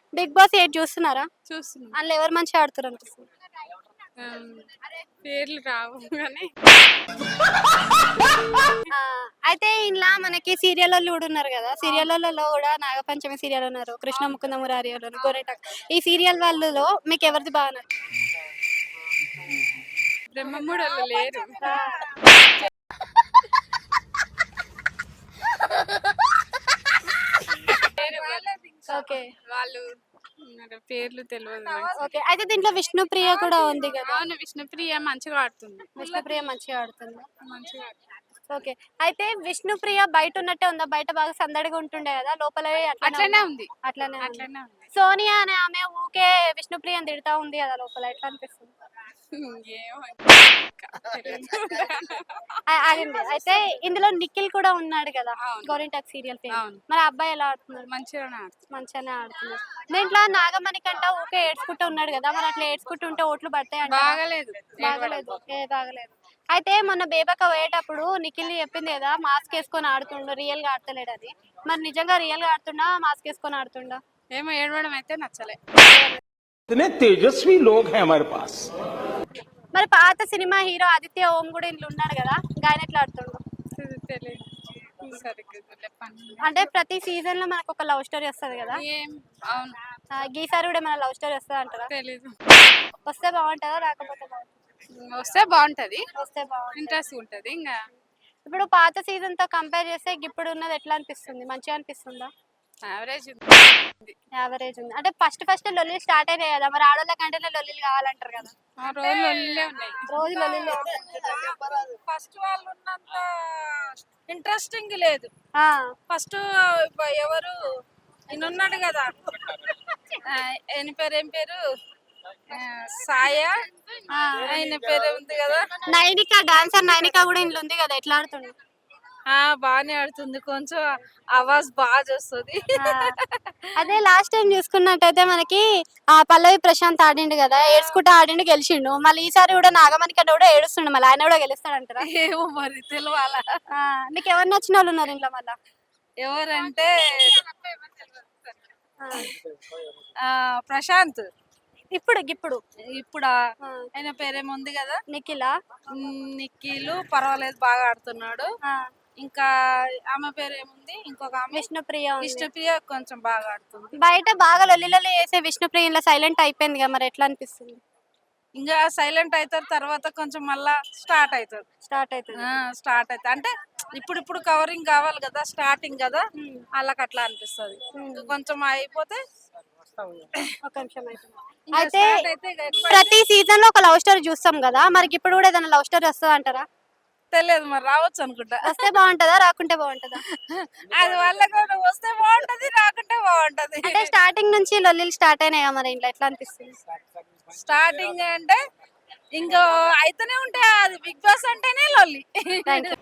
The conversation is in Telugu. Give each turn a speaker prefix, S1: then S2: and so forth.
S1: బిగ్ బాస్ 8 చూస్తున్నారా?
S2: చూస్తున్నాం.
S1: అందులో ఎవరు మంచిగా ఆడుతున్నారు అనిపిస్తుంది?
S2: ఆమ్, పేర్లు రావు కానీ
S1: ఆ, అయితే ఇంట్లో మనకి సీరియల్లో కూడా ఉన్నారు కదా, సీరియల్లో కూడా నాగపంచమి సీరియల్ ఉన్నారు, కృష్ణ ముకుంద మురారి వాళ్ళు, గోరెటాక్. ఈ సీరియల్ వాళ్ళలో మీకు ఎవరిది బాగా
S2: బ్రహ్మముడలు లేరు.
S1: ఓకే.
S2: వాళ్ళు ఉన్నారు, పేర్లు తెలియదు నాకు.
S1: ఓకే, అయితే దీంట్లో విష్ణుప్రియ కూడా ఉంది కదా.
S2: అవును, విష్ణుప్రియ మంచిగా ఆడుతుంది.
S1: విష్ణుప్రియ మంచిగా ఆడుతుంది.
S2: మంచిగా ఆడుతుంది.
S1: ఓకే, అయితే విష్ణుప్రియ బయట ఉన్నట్టే ఉందా? బయట బాగా సందడిగా ఉంటుండే కదా, లోపల
S2: అట్లనే ఉంది.
S1: అట్లనే ఉంది.
S2: అట్లనే ఉంది.
S1: సోనియా అనే ఆమె ఊకే విష్ణుప్రియని తిడతా ఉంది కదా లోపల, ఎట్లా అనిపిస్తుంది?
S2: ఏమో ఇంకా తెలియదు.
S1: ఆగండి, అయితే ఇందులో నిఖిల్ కూడా ఉన్నాడు కదా,
S2: అవును.
S1: గోరింటాక్ సీరియల్ పేరు.
S2: అవును.
S1: మరి ఆ అబ్బాయి ఎలా ఆడుతున్నాడు?
S2: మంచిగానే ఆడుతుంది.
S1: మంచిగానే ఆడుతున్నాడు. దీంట్లో నాగమణి కంట ఊకే ఏడ్చుకుంటూ ఉన్నాడు కదా, మరి అట్లా ఏడ్చుకుంటూ ఉంటే ఓట్లు పడతాయి అంటే
S2: బాగలేదు.
S1: బాగలేదు. బాగలేదు. అయితే మొన్న బేబక్క పోయేటప్పుడు నిఖిల్ చెప్పింది కదా, మాస్క్ వేసుకొని ఆడుతుండు, రియల్ గా ఆడతలేడు అది. మరి నిజంగా రియల్ గా ఆడుతుండా, మాస్క్ వేసుకొని ఆడుతుండా?
S2: ఏమో ఏడవడం అయితే నచ్చలే.
S3: इतने तेजस्वी लोग हैं हमारे पास।
S1: మరి పాత సినిమా హీరో ఆదిత్య ఓం కూడా ఇంట్లో ఉన్నాడు కదా, ఆయన ఎట్లా ఆడుతుండు?
S2: తెలియదు సరిగ్గా చెప్పండి.
S1: అంటే ప్రతి సీజన్ లో మనకు ఒక లవ్ స్టోరీ వస్తుంది కదా,
S2: ఏం అవును
S1: గీసారి కూడా మన లవ్ స్టోరీ వస్తుంది అంటారా?
S2: తెలీదు.
S1: వస్తే బాగుంటుందా, రాకపోతే బాగుంటుందా?
S2: వస్తే బాగుంటది,
S1: వస్తే బాగుంటుంది.
S2: ఇంట్రెస్ట్ ఉంటది. ఇంకా
S1: ఇప్పుడు పాత సీజన్ తో కంపేర్ చేస్తే ఇప్పుడు ఉన్నది ఎట్లా అనిపిస్తుంది? మంచిగా అనిపిస్తుందా?
S2: యావరేజ్
S1: యావరేజ్ ఉంది. అంటే ఫస్ట్ లొల్లి స్టార్ట్ అయినాయి కదా, మరి ఆడోళ్ళ కంటే లొల్లిలు కావాలంటారు కదా.
S2: ఆ రోజులు ఒళ్ళే ఉన్నాయి.
S1: రోజు లొల్లిలే.
S4: ఫస్ట్ వాళ్ళు ఉన్నంత ఇంట్రెస్టింగ్ లేదు. ఫస్ట్ ఎవరు ఈయన ఉన్నాడు కదా, ఆయన పేరు ఏం పేరు, సాయ, ఆయన పేరు ఉంది కదా,
S1: నైనిక, డాన్సర్ నైనిక కూడా ఇంట్లో ఉంది కదా, ఎట్లా ఆడుతుంది?
S4: బాగానే ఆడుతుంది. కొంచెం ఆవాజ్ బాగా చేస్తుంది.
S1: అదే లాస్ట్ టైం చూసుకున్నట్టయితే మనకి ఆ పల్లవి ప్రశాంత్ ఆడిండు కదా, ఏడ్చుకుంటూ ఆడిండు, గెలిచిండు. మళ్ళీ ఈసారి కూడా నాగమణి కంటే కూడా ఏడుస్తుండు, మళ్ళీ ఆయన కూడా గెలుస్తాడంటారా?
S4: ఏమో మరి తెలియాల.
S1: నీకు ఎవరు నచ్చిన వాళ్ళు ఉన్నారు ఇంట్లో మళ్ళా?
S4: ఎవరంటే ప్రశాంత్.
S1: ఇప్పుడు
S4: ఇప్పుడు ఆయన పేరేముంది కదా,
S1: నిఖిలా.
S4: నిఖిలు పర్వాలేదు, బాగా ఆడుతున్నాడు. ఇంకా ఆమె పేరు ఏముంది, ఇంకొక ఆమె
S1: విష్ణుప్రియ.
S4: విష్ణుప్రియ కొంచెం బాగా ఆడుతుంది.
S1: బయట బాగా లొల్లి వేసే విష్ణుప్రియ ఇలా సైలెంట్ అయిపోయింది కదా, మరి ఎట్లా అనిపిస్తుంది?
S4: ఇంకా సైలెంట్ అవుతారు, తర్వాత కొంచెం మళ్ళా స్టార్ట్ అవుతుంది. స్టార్ట్ అవుతుంది అంటే ఇప్పుడు కవరింగ్ కావాలి కదా, స్టార్టింగ్ కదా, వాళ్ళకి అట్లా అనిపిస్తుంది. కొంచెం అయిపోతే
S1: ఒక నిమిషం అయితే ప్రతి సీజన్ లో ఒక లవ్ స్టోరీ చూస్తాం కదా, మరి ఇప్పుడు కూడా ఏదైనా లవ్ స్టోరీ వస్తుంది అంటారా?
S4: తెలియదు, మరి రావచ్చు అనుకుంటా.
S1: వస్తే బాగుంటుందా, రాకుంటే బాగుంటుందా?
S4: అది వాళ్ళకు వస్తే బాగుంటది, రాకుంటే బాగుంటది.
S1: అంటే స్టార్టింగ్ నుంచి లొల్లిలు స్టార్ట్ అయినాయా, మరి ఇంట్లో ఎట్లా అనిపిస్తుంది?
S4: స్టార్టింగ్ అంటే ఇంకా అయితేనే ఉంటాయి, అది బిగ్ బాస్ అంటేనే లొల్లి.
S1: Thank you.